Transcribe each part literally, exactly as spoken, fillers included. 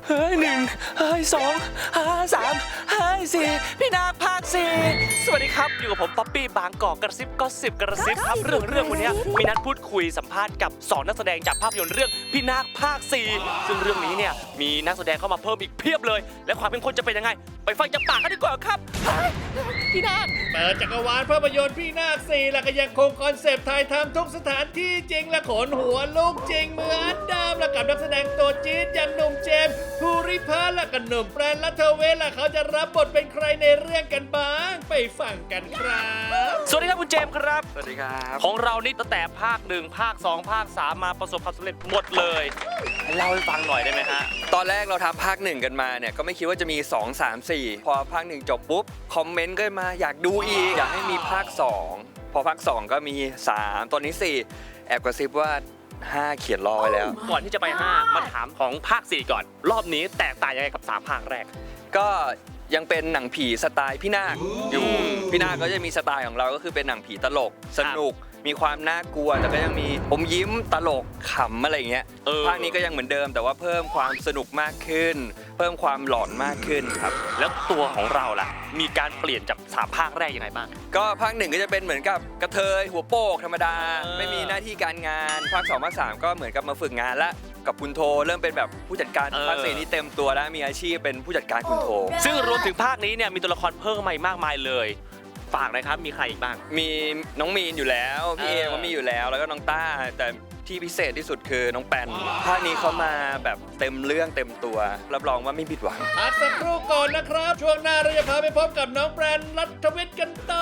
เฮ้ยหนึ่งเฮ้ยสองเฮ้ยสามเฮ้ยสี่พี่นาคภาคสี่สวัสดีครับอยู่กับผมป๊อปปี้บางกอกกระซิบก็สิบกระซิบครับเรื่องเรื่องวันนี้มีนัดพูดคุยสัมภาษณ์กับสองนักแสดงจากภาพยนตร์เรื่องพี่นาคภาคสี่ซึ่งเรื่องนี้เนี่ยมีนักแสดงเข้ามาเพิ่มอีกเพียบเลยและความเป็นคนจะเป็นยังไงไปฟังจากปากกันดีกว่าครับพี่นาคเปิดจักรวาลภาพยนตร์พี่นาคสี่และก็ยังคงคอนเซปต์ถ่ายทำทุกสถานที่จริงและขนหัวลูกจริงเหมือนเดิมและกับนักแสดงตัวจี๊ดอย่างหนุ่มเจมส์ภูริพัฒน์และก็หนุ่มแปรนและเทเวศและเขาจะรับบทเป็นใครในเรื่องกันบ้างไปฟังกันครับสวัสดีครับคุณเจมส์ครับสวัสดีครับของเรานี่ตั้งแต่ภาคหนึ่งภาคสองภาคสามมาประสบความสำเร็จหมดเลยเล่าให้ฟังหน่อยได้ไหมฮะตอนแรกเราทำภาคหนึ่งกันมาเนี่ยก็ไม่คิดว่าจะมีสอง สาม สี่พอภาคหนึ่งจบปุ๊บคอมเมนต์ก็มาอยากดูอีกอยากให้มีภาคสองพอภาคสองก็มีสามตอนนี้สี่แอบกระซิบว่าห้าเขียนรอไว้แล้วก่อนที่จะไปห้ามาถามของภาคสี่ก่อนรอบนี้แตกต่างยังไงกับสามภาคแรกก็ยังเป็นหนังผีสไตล์พี่นาคอยู่พี่นาคก็จะมีสไตล์ของเราก็คือเป็นหนังผีตลกสนุกมีความน่ากลัวแต่ก็ยังมีอมยิ้มตลกขำอะไรอย่างเงี้ยภาคนี้ก็ยังเหมือนเดิมแต่ว่าเพิ่มความสนุกมากขึ้นเพิ่มความหลอนมากขึ้นครับแล้วตัวของเราล่ะมีการเปลี่ยนจากสามภาคแรกยังไงบ้างก็ภาคหนึ่งก็จะเป็นเหมือนกับกระเทยหัวโปกธรรมดาไม่มีหน้าที่การงานภาคสองภาคสามก็เหมือนกับมาฝึกงานและกับคุณโทเริ่มเป็นแบบผู้จัดการภาคสี่นี้เต็มตัวแล้วมีอาชีพเป็นผู้จัดการคุณโทซึ่งรวมถึงภาคนี้เนี่ยมีตัวละครเพิ่มมาอีกมากมายเลยฝากหน่อยครับมีใครอีกบ้างมีน้องมีนอยู่แล้วพี่เอก็มีอยู่แล้วแล้วก็น้องต้าแต่ที่พิเศษที่สุดคือน้องแปนภาคนี้เขามาแบบเต็มเรื่องเต็มตัวรับรองว่าไม่ผิดหวังพักสักครู่ก่อนนะครับช่วงหน้าเราจะพาไปพบกับน้องแปนรัฐวิทย์กันต่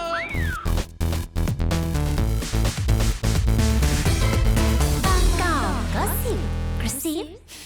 อบางกอกก็สิบกระซิ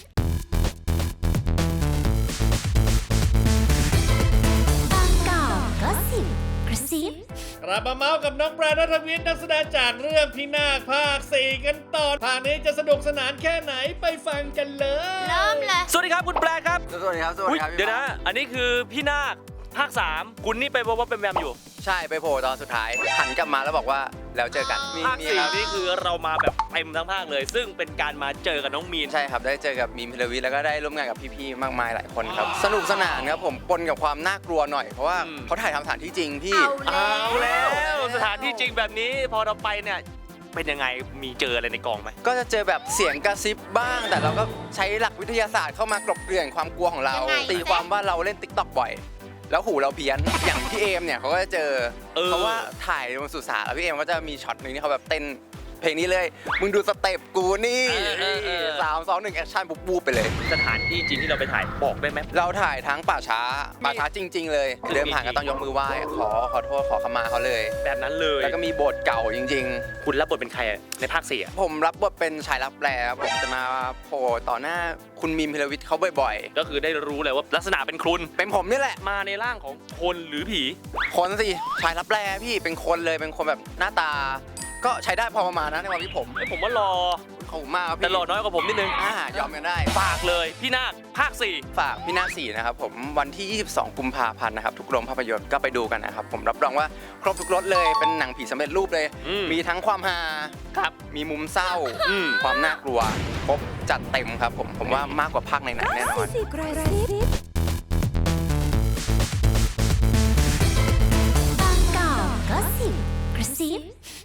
บบางกอกก็สิบกระซิบกลับมาเมาส์กับน้องแปรรัฐวิทย์นักแสดงจากเรื่องพี่นาคภาคสี่กันต่อภาคนี้จะสนุกสนานแค่ไหนไปฟังกันเลยเริ่มเลยสวัสดีครับคุณแปรครับสวัสดีครับสวัสดีครับเดี๋ยวนะอันนี้คือพี่นาคภาคสามคุณนี่ไปบอกว่าเป็นแวมอยู่ใช่ไปโผล่ตอนสุดท้ายหันกลับมาแล้วบอกว่าแล้วเจอกันภาคสี่นี่คือเรามาแบบเต็มทั้งภาคเลยซึ่งเป็นการมาเจอกับน้องมีนใช่ครับได้เจอกับมีนพิรวิทย์แล้วก็ได้ร่วมงานกับพี่ๆมากมายหลายคนครับสนุกสนานครับผมปนกับความน่ากลัวหน่อยเพราะว่าเขาถ่ายทำสถานที่จริงพี่เอาแล้วสถานที่จริงแบบนี้พอเราไปเนี่ยเป็นยังไงมีเจออะไรในกองไหมก็จะเจอแบบเสียงกระซิบบ้างแต่เราก็ใช้หลักวิทยาศาสตร์เข้ามากลบเกลื่อนความกลัวของเราตีความว่าเราเล่น ติ๊กต็อก บ่อยแล้วหูเราเพี้ยนอย่างพี่เอมเนี่ยเขาก็จะเจอเพราะว่าถ่ายบนสุสานแล้วพี่เอมก็จะมีช็อตหนึ่งที่เขาแบบเต้นเพลงนี้เลยมึงดูสเต็ปกูนี่สามสองหนึ่งแอคชั่นปุ๊บบูบไปเลยสถานที่จริงที่เราไปถ่ายบอกได้ไหมเราถ่ายทั้งป่าช้าป่าช้าจริงๆเลยเดินผ่านก็ต้องยกมือไหว้ขอขอโทษขอขมาเขาเลยแบบนั้นเลยแล้วก็มีโบสถ์เก่าจริงๆคุณรับบทเป็นใครในภาคสี่ผมรับบทเป็นชายรับแปลผมจะมาโผล่ต่อหน้าคุณมีนพิรวิทย์เขาบ่อยๆก็คือได้รู้เลยว่าลักษณะเป็นคุณเป็นผมนี่แหละมาในร่างของคนหรือผีคนสิชายรับแปลพี่เป็นคนเลยเป็นคนแบบหน้าตาก็ใช้ได้พอประมาณนะในความที่ผมผมว่ารอขอบคุณมากครับแต่รอน้อยกว่าผมนิดนึงอ่ายอมกันได้ฝากเลยพี่นาคภาคสี่ฝากพี่นาคสี่นะครับผมวันที่ยี่สิบสองกุมภาพันธ์นะครับทุกโรงภาพยนตร์ก็ไปดูกันนะครับผมรับรองว่าครบทุกรสเลยเป็นหนังผีสำเร็จรูปเลยมีทั้งความฮาครับมีมุมเศร้าความน่ากลัวครบจัดเต็มครับผมผมว่ามากกว่าภาคในหนังแน่นอนบางกอกก็สิบกระซิบ